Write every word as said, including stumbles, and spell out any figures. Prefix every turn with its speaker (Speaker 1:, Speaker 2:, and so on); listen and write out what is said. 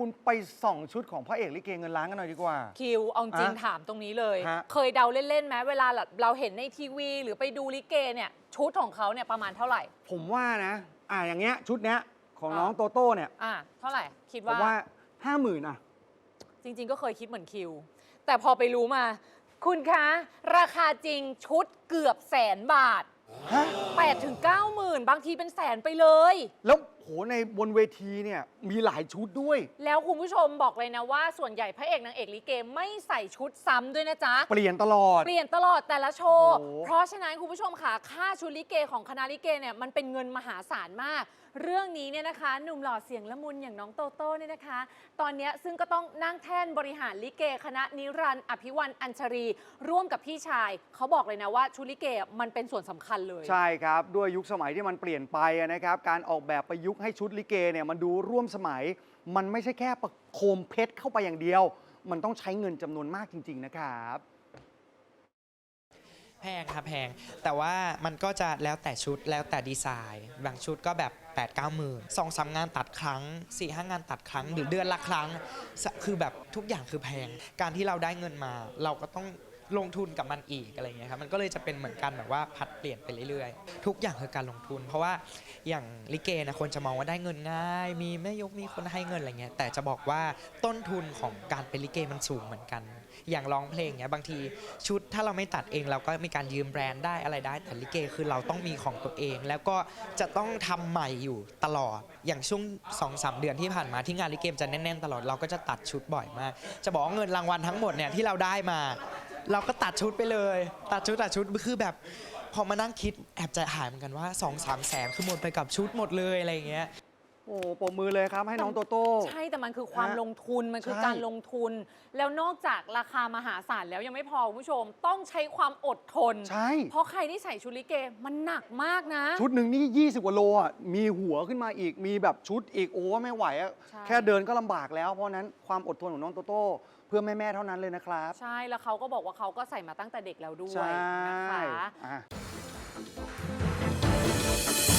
Speaker 1: คุณไปส่องชุดของพระเอกลิเกเงินล้านกันหน่อยดีกว่า
Speaker 2: คิวเอาจริงถามตรงนี้เลย
Speaker 1: ฮะ
Speaker 2: เคยเดาเล่นๆไหมเวลาเราเห็นในทีวี หรือไปดูลิเกเนี่ยชุดของเขาเนี่ยประมาณเท่าไหร่
Speaker 1: ผมว่านะอ่าอย่างเงี้ยชุดเนี้ยของน้องโตโต้เนี่ย
Speaker 2: อ่าเท่าไหร่คิด
Speaker 1: ผม
Speaker 2: ว่า
Speaker 1: ว่าห้าหมื่นอ่ะ
Speaker 2: จริงๆก็เคยคิดเหมือนคิวแต่พอไปรู้มา คุณคะราคาจริงชุดเกือบแสนบาทแปดถึงเก้าหมื่นบางทีเป็นแสนไปเลย
Speaker 1: แล้วโหในบนเวทีเนี่ยมีหลายชุดด้วย
Speaker 2: แล้วคุณผู้ชมบอกเลยนะว่าส่วนใหญ่พระเอกนางเอกลิเกไม่ใส่ชุดซ้ำด้วยนะจ๊ะ
Speaker 1: เปลี่ยนตลอด
Speaker 2: เปลี่ยนตลอดแต่ละโชว์เพราะฉะนั้นคุณผู้ชมค่ะค่าชุดลิเกของคณะลิเกเนี่ยมันเป็นเงินมหาศาลมากเรื่องนี้เนี่ยนะคะหนุ่มหล่อเสียงละมุนอย่างน้องโตโต้เนี่ยนะคะตอนนี้ซึ่งก็ต้องนั่งแท่นบริหารลิเกคณะนิรันดร์อภิวันอัญชรีร่วมกับพี่ชายเขาบอกเลยนะว่าชุดลิเกมันเป็นส่วนสำคัญเลย
Speaker 1: ใช่ครับด้วยยุคสมัยที่มันเปลี่ยนไปนะครับการออกแบบประยุกต์ให้ชุดลิเกเนี่ยมันดูร่วมสมัยมันไม่ใช่แค่ประโคมเพชรเข้าไปอย่างเดียวมันต้องใช้เงินจำนวนมากจริงๆนะครับ
Speaker 3: แพงครับแพงแต่ว่ามันก็จะแล้วแต่ชุดแล้วแต่ดีไซน์บางชุดก็แบบแปดเก้าหมื่นสองสามงานตัดครั้งสี่ห้างานตัดครั้งหรือเดือนละครั้งคือแบบทุกอย่างคือแพงการที่เราได้เงินมาเราก็ต้องลงทุนกับมันอีกอะไรเงี้ยครับมันก็เลยจะเป็นเหมือนกันแบบว่าผัดเปลี่ยนไปเรื่อยๆทุกอย่างคือการลงทุนเพราะว่าอย่างลิเกนะคนจะมองว่าได้เงินง่ายมีแม่ยกมีคนให้เงินอะไรเงี้ยแต่จะบอกว่าต้นทุนของการเป็นลิเกมันสูงเหมือนกันอย่างร้องเพลงเนี้ยบางทีชุดถ้าเราไม่ตัดเองเราก็มีการยืมแบรนด์ได้อะไรได้แต่ลิเกคือเราต้องมีของตัวเองแล้วก็จะต้องทำใหม่อยู่ตลอดอย่างช่วง สองสาม เดือนที่ผ่านมาที่งานลิเกจะแน่นๆตลอดเราก็จะตัดชุดบ่อยมากจะบอกว่าเงินรางวัลทั้งหมดเนี่ยที่เราได้มาเราก็ตัดชุดไปเลยตัดชุดตัดชุดคือแบบพอมานั่งคิดแอบใจหายเหมือนกันว่า สองสาม แสนคือหมดไปกับชุดหมดเลยอะไรอย่างเงี้ย
Speaker 1: โอ้ปรบมือเลยครับให้น้องโตโต้
Speaker 2: ใช่แต่มันคือความลงทุนมันคือการลงทุนแล้วนอกจากราคามหาศาลแล้วยังไม่พอคุณผู้ชมต้องใช้ความอดทน
Speaker 1: ใช่
Speaker 2: เพราะใครที่ใส่ชุดลิเกมันหนักมากนะ
Speaker 1: ชุดหนึ่งนี่ยี่สิบกว่าโลอ่ะมีหัวขึ้นมาอีกมีแบบชุดอีกโอ้ไม่ไหวอ่ะแค่เดินก็ลำบากแล้วเพราะนั้นความอดทนของน้องโตโต้เพื่อแม่ๆเท่านั้นเลยนะครับ
Speaker 2: ใช่แล้วเขาก็บอกว่าเขาก็ใส่มาตั้งแต่เด็กแล้วด้วยนะคะ